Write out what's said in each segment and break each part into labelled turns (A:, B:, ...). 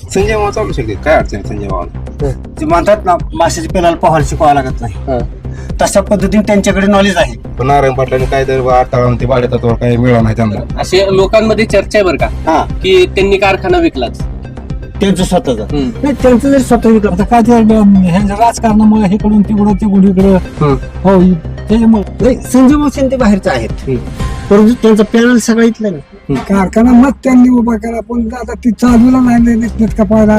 A: संजय मामा चालू शकते, काय अडचण आहे संजय मामा?
B: ते म्हणतात ना माशाची पेलाला पोहायला शिकवावं लागत नाही, तशा पद्धतीने त्यांच्याकडे नॉलेज आहे.
A: पण नारायण पाटलांनी काय तर अडथळा ते भाडेतत्वावर काही मिळालं नाही त्यांना.
C: असे लोकांमध्ये चर्चा आहे बरं का,
B: हा
C: की त्यांनी कारखाना विकलाच.
B: त्यांचं स्वतःच
D: नाही त्यांचं जरी स्वतः विकलं तर काय ते ह्यांच्या राजकारणामुळे इकडून तिकडून इकडं हो त्याच्यामुळे
B: संजय मावशी ते बाहेरचे आहेत, परंतु त्यांचा पॅनल सगळं इथलं ना.
D: कारखाना मग त्यांनी उभा केला, पण आता ती चालूला नाही नीट का पाहिला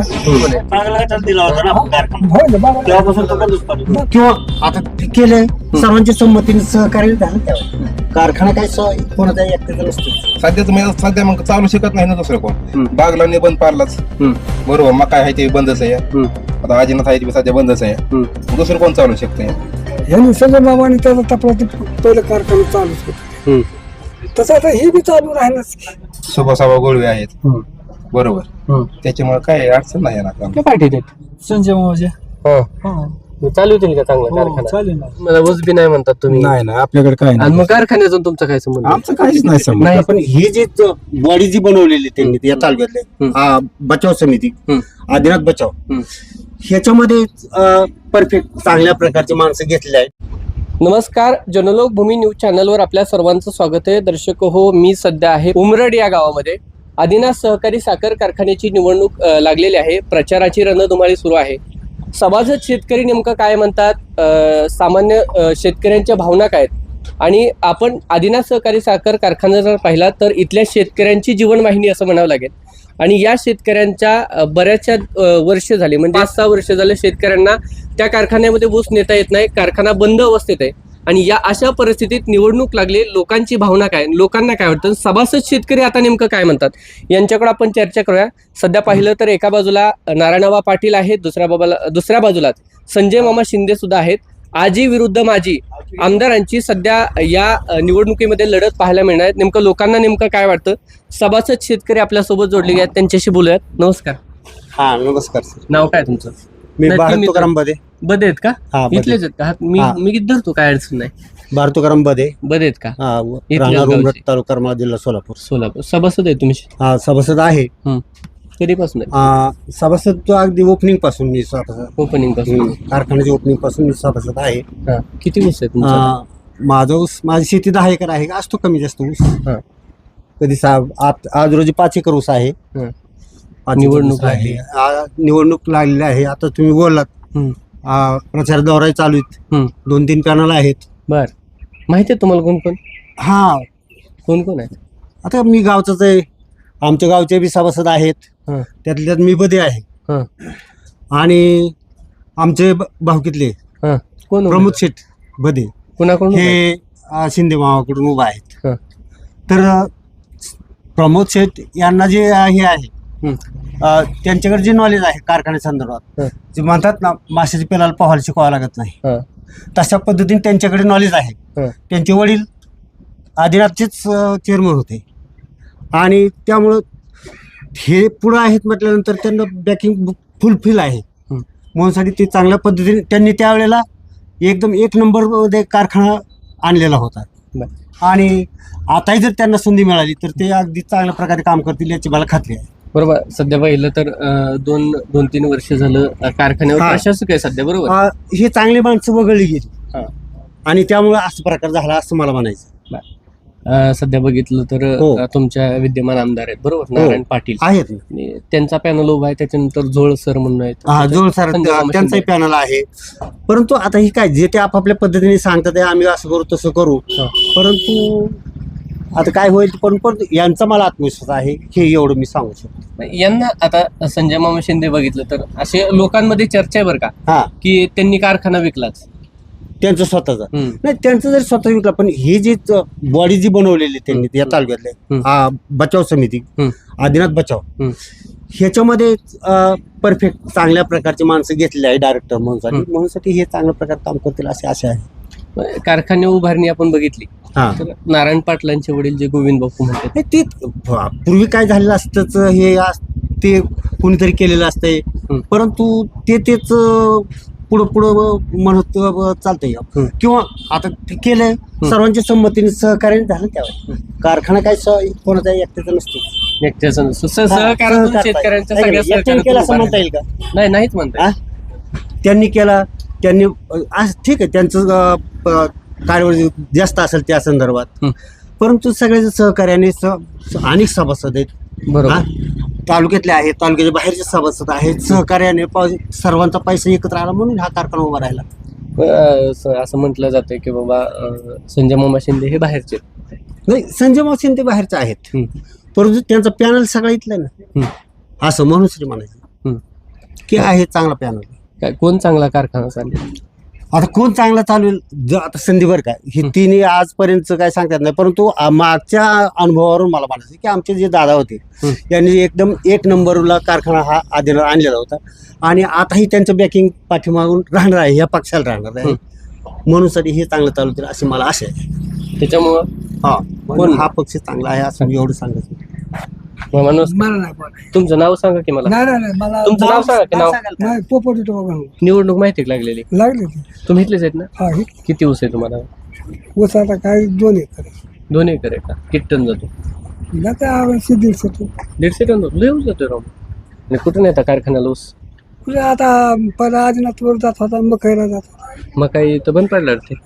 D: हो ना बाबा.
B: किंवा आता ते केलंय सर्वांच्या संमतीने सहकार्य झालं त्यावर. कारखाना काय कोणाचा एकट्याचा नसतो.
A: सध्या मग चालू शकत नाही ना दुसरं कोण. बागलांनी बंद पाडलाच, बरोबर. मग काय आहे ते बंदच आहे. आता आजीनाथ आहे ते सध्या बंदच आहे. दुसरं कोण चालू शकतंय?
D: यांनी संजय बाबांनी त्याचा टपला पहिलं कारखाना चालूच होतं, तसं आता हे बी चालू राहिलंच.
A: सुभासाबा गोळवे आहेत, बरोबर. त्याच्यामुळे काय अडचण नाही येणार काम.
C: पाठीत
D: संजय बाबाचे
C: चालू होतील का चांगला कारखाना?
D: चालेल ना.
C: मला ऊस बी नाही म्हणतात तुम्ही.
D: नाही ना आपल्याकडे काय
C: आणि मग कारखान्यातून तुमचा काय संबंध?
D: आमचं काहीच नाही समज.
B: नाही, पण ही जी बॉडी जी बनवलेली त्यांनी या तालुक्यातले बचाव समिती, आदिनाथ बचाव, ह्याच्यामध्ये परफेक्ट चांगल्या प्रकारची माणसं घेतली आहेत.
C: नमस्कार, जनलोक भूमी न्यूज चॅनलवर आपल्या सर्वांचं स्वागत आहे. दर्शक हो, मी सध्या आहे उमरड या गावामध्ये. आदिनाथ सहकारी साखर कारखान्याची निवडणूक लागलेली आहे. प्रचाराची रणधुमाळी सुरू आहे. सभासद शेतकरी नेमकं काय म्हणतात, सामान्य शेतकऱ्यांच्या भावना काय आहेत, आणि आपण आदिनाथ सहकारी साखर कारखाना जर पाहिला तर इथल्या शेतकऱ्यांची जीवनवाहिनी असं म्हणावं लागेल. आणि या शेतकऱ्यांच्या बऱ्याचशा वर्ष झाले, म्हणजे 5-6 वर्ष झाले शेतकऱ्यांना त्या कारखान्यामध्ये ऊस नेता येत नाही, कारखाना बंद अवस्थेत आहे. आणि या अशा परिस्थितीत निवडणूक लागली, लोकांची भावना काय, लोकांना काय वाटतं, सभासद शेतकरी आता नेमकं काय म्हणतात, यांच्याकडे आपण चर्चा करूया. सध्या पाहिलं तर एका बाजूला नारायणबा पाटील आहेत, दुसऱ्या बाजूला संजय मामा शिंदे सुद्धा आहेत. आजी विरुद्ध माजी आमदारांची सध्या या निवडणुकीमध्ये लढत पाहायला मिळणार आहे. नेमकं लोकांना नेमकं काय वाटतं, सभासद शेतकरी आपल्यासोबत जोडले गेले आहेत, त्यांच्याशी बोलूयात. नमस्कार.
B: हा नमस्कार सर.
C: नाव काय तुमचं?
B: मी भारत तुकाराम बदे.
C: बदे आहेत का?
B: हा, बदे.
C: इथलेच आहेत का? मी धरतो, काय अडचण नाही.
B: भारत तुकाराम बदे.
C: बदे आहेत का?
B: राहणार उमरठ, तालुका करमाळा, जिल्हा
C: सोलापूर. सभासद आहे तुम्ही?
B: हा सभासद आहे.
C: कधीपासून आहे
B: सभासद? तो अगदी ओपनिंग पासून मी सभासद,
C: ओपनिंग पासून,
B: कारखान्याच्या ओपनिंग पासून मी सभासद आहे.
C: किती ऊस आहे तुमचा?
B: माझा ऊस, माझी शेती 10 एकर आहे, असतो कमी जास्त ऊस. कधी आज रोजी 5 एकर ऊस आहे.
C: निवडणूक लागली,
B: निवडणूक लागलेली आहे. आता तुम्ही बोललात प्रचार दौरा चालू आहेत, 2-3 पॅनल आहेत.
C: बर, माहिती आहे तुम्हाला कोण कोण?
B: हा,
C: कोण आहेत?
B: आता मी गावचाच आहे, आमच्या गावचे बी सभासद आहेत, त्यातल्यात मी बदे आहे. आणि आमचे भावकीतले
C: कोण?
B: प्रमोद शेठ बदे,
C: कोणाकडून?
B: हे शिंदे मामाकडून उभा आहेत. तर प्रमोद शेठ यांना जे हे आहे, त्यांच्याकडे जे नॉलेज आहे कारखान्या संदर्भात, जे म्हणतात ना माशाची पेलाला पोहायला शिकवावं लागत नाही, तशा पद्धतीने त्यांच्याकडे नॉलेज आहे. त्यांचे वडील आदिनाथचेच चेअरमन होते, आणि त्यामुळं हे पुढं आहेत म्हटल्यानंतर त्यांना बॅकिंग फुलफिल आहे. म्हणूनसाठी ते चांगल्या पद्धतीने त्यांनी त्यावेळेला एकदम 1 नंबरमध्ये कारखाना आणलेला होता. आणि आताही जर त्यांना संधी मिळाली तर ते अगदी चांगल्या प्रकारे काम करतील याची मला खात्री आहे.
C: बरोबर. सध्या पाहिलं तर 2-3 वर्ष झालं कारखान्यावर प्रशासक आहे सध्या, बरोबर.
B: हे चांगली माणसं वगळली गेली, आणि त्यामुळे असं प्रकार झाला असं मला म्हणायचं.
C: सध्या बघितलं तर तुमच्या विद्यमान आमदार आहेत, बरोबर, नारायण पाटील
B: आहेत.
C: त्यांचा पॅनल उभा आहे. त्याच्यानंतर झोळ सर म्हणून आहेत.
B: जोळ सर, त्यांचाही पॅनल आहे. परंतु आता ही काय, जे ते आपापल्या पद्धतीने सांगतात आम्ही असं करू तसं करू, परंतु आता काय होईल. पण यांचा मला आत्मविश्वास आहे, हे एवढं मी सांगू शकतो.
C: यांना आता संजय मामा शिंदे बघितलं तर असे लोकांमध्ये चर्चा आहे बरं का, की त्यांनी कारखाना विकलाच.
B: त्यांचं स्वतःचा नाही, त्यांचं जरी स्वतः विकला, पण ही जी बॉडी जी बनवलेली त्यांनी या तालुक्यातले बचाव समिती, आदिनाथ बचाव, ह्याच्यामध्ये परफेक्ट चांगल्या प्रकारची माणसं घेतलेली आहे डायरेक्टर म्हणून हे चांगल्या प्रकारे काम करतील अशी आशा आहे.
C: कारखाने उभारणी आपण बघितली तर नारायण पाटलांचे वडील जे गोविंद बापू म्हणतात,
B: ते पूर्वी काय झालेलं असतंच, हे ते कोणीतरी केलेलं असतंय, परंतु तेच पुढं म्हणत चालतंय. किंवा आता ते केलंय सर्वांच्या संमतीने सहकार्य झालं त्यावर. कारखाना काय कोणाचा एकट्याचा नसतो.
C: एकट्याचं सहकार्यातून शेतकऱ्यांच्या सगळ्या
B: एकट्याने केला असं म्हणता
C: सहकार्यातून
B: येईल का?
C: नाही नाहीच म्हणता
B: हा? त्यांनी केला, त्यांनी आज ठीक आहे त्यांचं कार्यवाही जास्त असेल त्या संदर्भात, परंतु सगळ्याच्या सहकार्याने अनेक सभासद आहेत
C: बरोबर.
B: हा? तालुक्यातले आहेत, तालुक्याच्या बाहेरचे सभासद आहेत, सहकार्याने सर्वांचा पैसा एकत्र आला म्हणून हा कारखाना उभा राहिला.
C: असं म्हटलं जातं की बाबा संजय मामा शिंदे हे बाहेरचे आहेत.
B: नाही, संजय मावशी ते बाहेरचे आहेत, परंतु त्यांचा पॅनल सगळा इथला आहे ना, असं म्हणून श्री म्हणायचं की आहे चांगला पॅनल.
C: काय कोण चांगला कारखाना चालेल?
B: आता कोण चांगला चालवेल आता संधीवर काय हे तिन्ही आजपर्यंत काय सांगतात नाही, परंतु मागच्या अनुभवावरून मला म्हणायचं की आमचे जे दादा होते यांनी एकदम एक नंबरला कारखाना हा आधीला आणलेला होता आणि आताही त्यांचं बॅकिंग पाठीमागून राहणार आहे, या पक्षाला राहणार आहे, म्हणून साठी हे चांगलं चालवतील अशी मला आशा आहे.
C: त्याच्यामुळं
B: म्हणून हा पक्ष चांगला आहे असं मी एवढं सांगायचं.
C: माणूस
D: मला नाही बोलायचं.
C: तुमचं नाव सांगा की मला.
D: नाही मला
C: तुमचं नाव सांगा की नाव.
D: नाही पोपट येतो बघा
C: निवडणूक माहिती आहे लागलेली.
D: लागले ते.
C: तुम्ही इथलेच आहेत ना?
D: हा हे
C: किती ऊस आहे तुम्हाला?
D: ऊस आता काय 2 एकर
C: 2 एकर आहे का? किती टन जातो?
D: जाते 150 तो.
C: 150 टन जातो. लय ऊस जातोय राव. आणि कुठून येतात कारखान्याला ऊस?
D: म्हणजे आता पहिला आदिनाथवर जात होता, मकाईला जात होता,
C: मग काही तर बंद पडलं ते.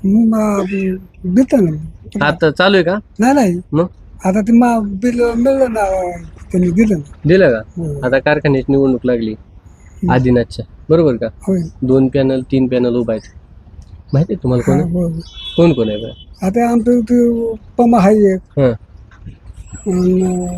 D: देतं ना.
C: आता चालू आहे का?
D: नाही
C: मग
D: आता ते बिल मिळलं ना, त्यांनी दिलं ना.
C: दिलं का?
D: हो.
C: आता कारखान्याची निवडणूक लागली आदिनाथच्या, बरोबर का?
D: होय.
C: 2 पॅनल 3 पॅनल उभा आहेत. माहिती आहे तुम्हाला कोण
D: हा,
C: आहे?
D: होय.
C: कोण कोण आहे बरं?
D: आता आमचं इथे पमा आहे एक,
C: हां.
D: अन्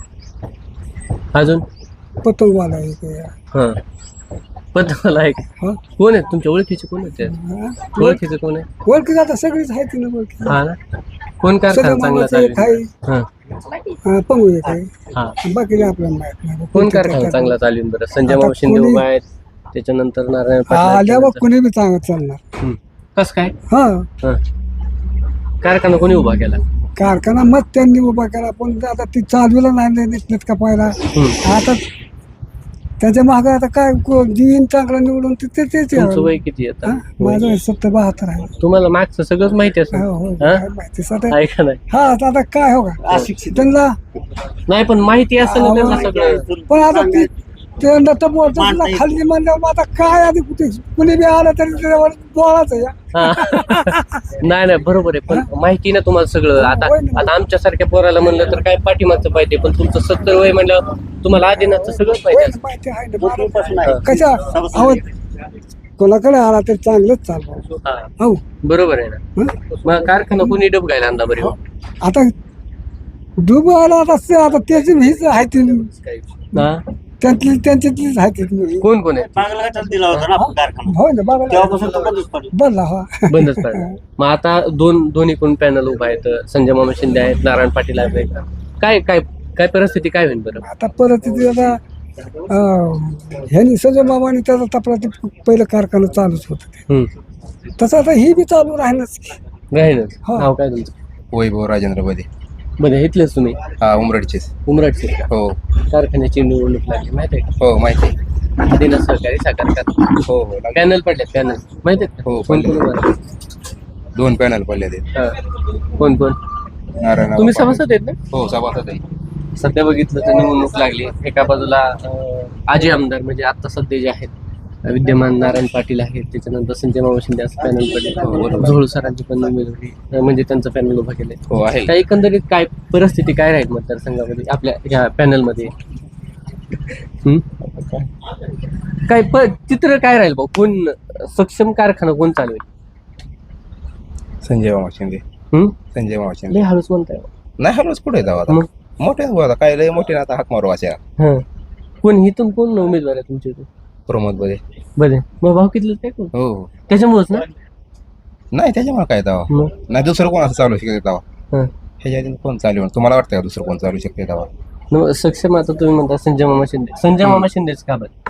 C: अजून
D: पतंगवाला एक.
C: हां. पण मला आहे का?
D: हा?
C: कोण आहेत तुमच्या ओळखीचे? कोण आहेत त्या?
D: हा?
C: ओळखीचे कोण आहे?
D: ओळखी आता सगळीच आहे ना ओळखी.
C: हा ना. कोण कारखाना
D: सगळं
C: चांगला
D: मामाचं एक
C: चालेल?
D: आहे,
C: हां.
D: पंगू एक आहे,
C: हां.
D: बाकी आपल्याला माहित नाही.
C: कोण कारखाना चांगला चालेल बरं? संजय
D: आता
C: मामा शिंदे
D: कोणी-
C: उभा आहेत, त्याच्यानंतर नारायण
D: आल्यावर
C: पाटील.
D: कोणी बी चालणार.
C: कस काय?
D: हा,
C: हां. कारखाना कोणी उभा केला?
D: कारखाना मग त्यांनी उभा केला, पण आता ती चालवलं नाही नीट का पाहिला. आता त्याच्या मागे आता काय देईन चांगला निवडून तेच
C: तुमचं वय किती आता?
D: माझं 70-72 आहे.
C: तुम्हाला मागचं सगळंच माहिती असेल.
D: हो, हो,
C: हा?
D: काय माहिती सध्या.
C: आहे का नाही?
D: हा आता काय हो का
B: अशिक्षित
D: त्यांना,
C: नाही पण माहिती असेल ना त्यांना सगळं.
D: पण आता ती त्यांना तर बोलतो खाली म्हणल्यावर आता काय आधी कुणी बी आलं तरी त्याच्यावर बोलायचं या.
C: हा. नाही नाही बरोबर आहे, पण माहिती ना तुम्हाला सगळं. आता आता आमच्या सारख्या पोराला म्हणलं तर काय पाठीमागचं पाहिजे, पण तुमचं 70 वय म्हणलं तुम्हाला आधीनाचं सगळं पाहिजे
D: होय,
C: असं.
D: माहिती आहे ना. कशा अहो कोणाकडे आला तर चांगलंच चालवा.
C: हा.
D: हो
C: बरोबर आहे ना.
D: हं?
C: मग कारखाना कोणी डब घ्यायला आणला बरे?
D: आता डुबो आला आता त्याची हीच आहे ती,
C: हा.
D: त्यांच्यातलीच आहे ती.
C: कोण कोण आहे?
B: बागलाघाटात दिला होता ना आपण कारखाना,
D: हो ना बाबा
B: तेव्हापासून तो बंदच पडला.
D: बोलला हा.
C: बंदच पडलं. मग आता दोन्हीकडून पॅनल उभा आहेत. संजय मामा शिंदे आहेत, नारायण पाटील आहेत. काय काय काय परिस्थिती काय होईल बरं?
D: आता परत तिथे आता ह्यांनी सजय बाबांनी त्याचा तपला ते पहिलं कारखाना चालूच होतं ते. तसं आता ही बी चालू राहीनच.
C: राहीलच.
D: हो.
C: नाव काय तुमचं?
A: वैभव राजेंद्र बदे.
C: बरं इथलेच तुम्ही?
A: हा, उमरडचेच.
C: उमराटचे का?
A: हो
C: कारखान्याची निवडणूक लागली माहिती आहे
A: हो माहिती आहे.
C: का? आदिनाथ सहकारी साखर कारखाना.
A: हो हो लागले.
C: पॅनल पडले पॅनल माहिती आहे का?
A: हो,
C: कोण
A: पडले.
C: कोण उभा आहे?
A: 2 पॅनल पडले ते.
C: हा. कोण कोण?
A: नारायण
C: तुम्ही सभासद आहेत ना?
A: हो सभासद आहे.
C: सध्या बघितलं तर निवडणूक लागली. एका बाजूला आजी आमदार म्हणजे आता सध्या जे आहेत विद्यमान नारायण पाटील आहेत, त्याच्यानंतर संजय मामा शिंदे असं पॅनल पडले. झोळ सरांची पण उमेदवारी म्हणजे त्यांचं पॅनल उभा केलंय.
A: हो आहे.
C: त्या एकंदरीत काय परिस्थिती काय राहील मतदारसंघामध्ये आपल्या ह्या पॅनलमध्ये? काय चित्र काय राहील भाऊ? कोण सक्षम कारखाना कोण चालवेल?
A: संजय मामा शिंदे. संजय मामा शिंदे.
C: लय हळूच म्हणताय.
A: नाही हरवच कुठे जाऊ आता?
C: मग?
A: मोठे आता काय लय मोठे ना आता हाक मारू अशा.
C: हा. कोण इथून कोण उमेदवार आहे तुमच्या इथे?
A: प्रमोद बदे.
C: बरे मग भाव किती काय कोण?
A: हो हो.
C: त्याच्यामुळेच ना.
A: नाही त्याच्यामुळे काय दावा
C: मग
A: नाही. दुसरं कोण असं चालू शकते दावा?
C: हा.
A: ह्याच्या आधी कोण चालू आहे? तुम्हाला वाटतं का दुसरं कोण चालू शकते दावा?
C: मग सक्षम आता तुम्ही म्हणता संजय मामा शिंदे. संजय मामा शिंदेच का बरं?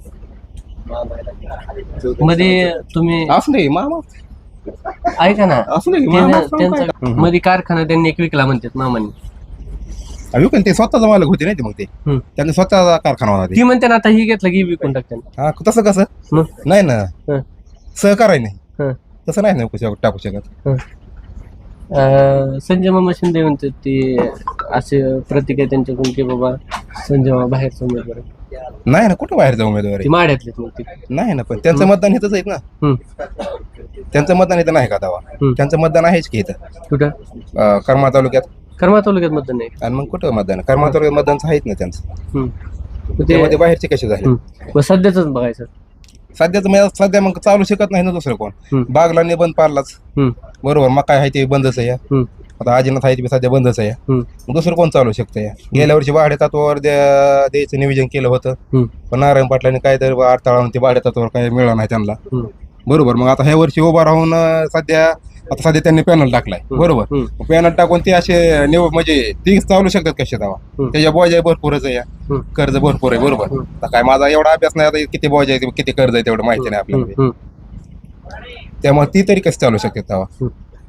C: मध्ये तुम्ही
A: असं नाही मामा
C: ऐका ना,
A: असं नाही मामा
C: त्यांचा मध्ये कारखाना त्यांनी एक विकला म्हणतात मामांनी.
A: विकून ते स्वतःचा मालक होते नाही ते. मग ते त्यांनी स्वतःचा कारखाना होता ते.
C: ती म्हणते ना आता ही घेतलं की विकून टाकते.
A: हा तसं कसं?
C: मग
A: नाही ना,
C: हं,
A: सहकार आहे नाही
C: हं,
A: तसं नाही ना टाकू शकत.
C: हं. संजय मामा शिंदे म्हणतात ते असे प्रतीक आहे त्यांच्याकडून की बाबा संजय मामा बाहेरचा उमेदवार आहे.
A: नाही ना, कुठं बाहेरचा उमेदवार
C: ती
A: आहे?
C: माड्यातलेच मग ते.
A: नाही ना, पण त्यांचं मतदान इथंच आहेत ना.
C: हम्म.
A: त्यांचं मतदान इथं नाही का दावा? त्यांचं मतदान आहेच की इथं
C: कुठं
A: करमाळ तालुक्यात.
C: करमाळ तालुक्यात मतदान नाही.
A: आणि मग कुठं मतदान? करमाळ तालुक्यात मतदानचं आहेत ना त्यांचं.
C: मग ते
A: त्यामध्ये बाहेरचे कसे झाले?
C: मग सध्याच बघायचं.
A: सध्या मग चालू शकत नाही ना दुसरं कोण. बागला बंद पाडलाच, बरोबर. मग काय आहे ते बंदच आहे. आता आजीनाथ आहे ते सध्या बंदच आहे. मग दुसरं कोण चालू शकतं? गेल्या वर्षी भाडे तत्वावर द्यायचं नियोजन केलं होतं, पण नारायण पाटलांनी काय तर अडथळा ते भाडे तत्वावर काय मिळालं नाही त्यांना, बरोबर. मग आता ह्या वर्षी उभा राहून सध्या त्यांनी पॅनल टाकलाय, बरोबर. पॅनल टाकून ते असे म्हणजे ती चालू शकतात कसे दावा? त्याच्या बॉज भरपूरच आहे, कर्ज भरपूर आहे, बरोबर. आता काय माझा एवढा अभ्यास नाही, आता किती बॉज आहे किती कर्ज आहे तेवढं माहिती नाही आपल्याला. त्यामुळे ती तरी कशी चालू शकतात दावा?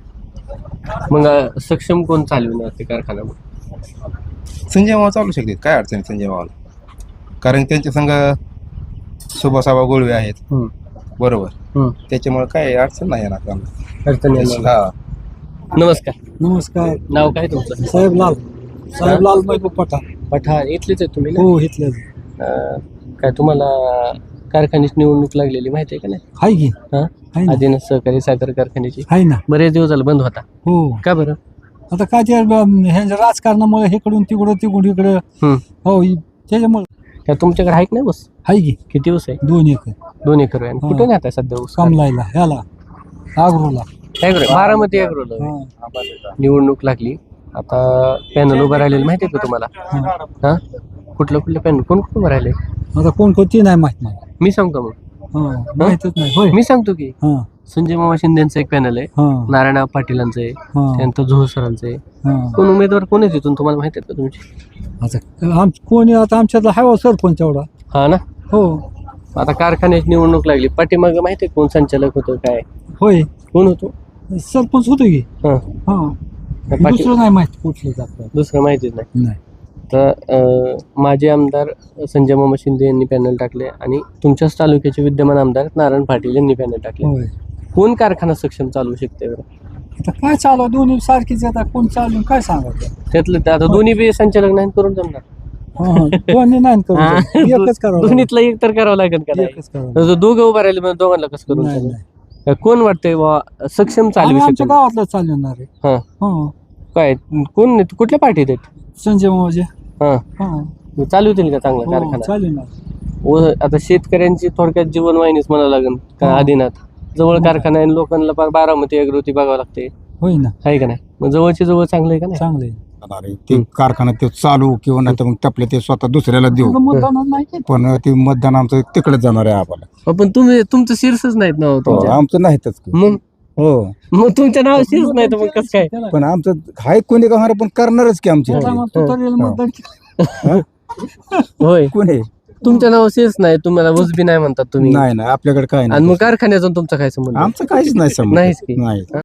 C: मग सक्षम कोण चालविणार ते कारखाना?
A: संजय मामा चालू शकतात, काय अडचण आहे संजय मामाला? कारण त्यांच्या संघ सुभाषाबा गोळवे आहेत, बरोबर. त्याच्यामुळे काय अडचण नाही येणार त्यांना.
C: अडचण नाही.
A: हा.
C: नमस्कार.
D: नमस्कार.
C: नाव काय तुमचं?
D: साहेब लाल महबूब पठाण.
C: पठाण इथलेच आहे तुम्ही ना?
D: हो, इथले
C: काय तुम्हाला कारखान्याची निवडणूक लागलेली माहिती आहे का नाही?
D: हाय की.
C: हा,
D: आहे ना.
C: आदिनाथ सहकारी साखर कारखान्याची
D: आहे ना.
C: बरेच दिवस झाले बंद होता.
D: हो.
C: का बरं?
D: आता काय ते ह्यांच्या राजकारणामुळे इकडून तिकडून इकडं. हो, त्याच्यामुळे.
C: काय तुमच्याकडे आहे का नाही बस?
D: हाय की.
C: किती ऊस आहे?
D: 2 एकर.
C: 2 एकर आहे. कुठे नाही आता सध्या ऊस?
D: कमलायला ह्याला आग्रोला.
C: बारामती अॅग्रोला निवडणूक लागली. आता पॅनल उभं राहिलेलं माहिती आहे का तुम्हाला? हा, कुठलं पॅनल कोण उभं राहिले?
D: आता कोणती नाही माहित मला.
C: मी सांगतो मग.
D: माहितच नाही. होय.
C: मी सांगतो की
D: हा.
C: संजय मामा शिंदेचं एक पॅनल आहे,
D: हा.
C: नारायण पाटीलांचं आहे,
D: हा.
C: त्यानंतर झोळ सरांचं आहे.
D: हा.
C: कोण उमेदवार कोण आहे तिथून तुम्हाला माहिती आहेत का तुमची?
D: आता कोणी आता आमच्यातला हाय सरपंच एवढा.
C: हा ना.
D: हो.
C: आता कारखान्याची निवडणूक लागली, पाठीमागं माहिती आहे कोण संचालक होतं काय?
D: होय.
C: कोण होतो?
D: सरपंच होतो की.
C: हा.
D: हा. दुसरं नाही माहित कुठलं आपल्याला.
C: दुसरं माहितीच नाही.
D: नाही.
C: तर माजी आमदार संजय मामा शिंदे यांनी पॅनल टाकले आणि तुमच्याच तालुक्याचे विद्यमान आमदार नारायण पाटील यांनी पॅनल टाकले.
D: होय.
C: कोण कारखाना सक्षम चालू शकते बरं?
D: आता काय चालू दोन्ही सारखीच. आता कोण चालू काय सांगायचं?
C: त्यातलं ते आता दोन्ही बी संचालक नाही करून जमणार.
D: दोन्ही नाही करू. एकच करावं.
C: दोन्हीतलं एक तर करावं लागेल का?
D: एकच करावं.
C: दोघं उभं राहिले म्हणजे दोघांना कसं करून
D: नाही,
C: चालेल?
D: नाही.
C: कोण वाटतंय बा सक्षम चालू
D: आम्ही आमच्या
C: शकतो?
D: गावातलं चालवणार आहे.
C: हा,
D: हा.
C: काय कोण कुठल्या पार्टीत आहेत?
D: संजय मामाजे.
C: हा,
D: हा.
C: चालवतील का चांगला
D: हो,
C: कारखाना?
D: चालवणार.
C: आता शेतकऱ्यांची थोडक्यात जीवनवाहिनीच म्हणावं लागेल का? आदिनाथ जवळ कारखाना आहे, लोकांना फार बारामती अग्रोती बघावं लागते,
D: होय ना.
C: आहे का नाही? मग जवळची जवळ चांगलं आहे का नाही?
D: चांगले.
E: ते कारखाना ते चालू किंवा नाही तर मग टपले ते स्वतः दुसऱ्याला देऊ.
D: मतदान नाही केलं.
E: पण ते मतदान आमचं तिकडे जाणार आहे आम्हाला.
C: पण तुमचं शीर्षच नाहीत ना हो तुमच्या.
E: आमचं नाहीतच की.
C: मग
E: हो,
C: तुमच्या नाव शीर्ष नाही तर मग कसं काय?
E: पण आमचं हाय कोणी का पण करणारच की आमची
D: त्याला मग तुतारीला मतदान केलं.
C: होय,
E: कोणी
C: तुमच्या नाव शीर्ष नाही, तुम्हाला उजबी नाही म्हणतात तुम्ही.
E: नाही आपल्याकडे काय
C: आणि
E: नाही.
C: मग कारखान्याचा तुमचा काय संबंध?
E: आमचं काहीच नाही समज.
C: नाहीच की.
E: नाही.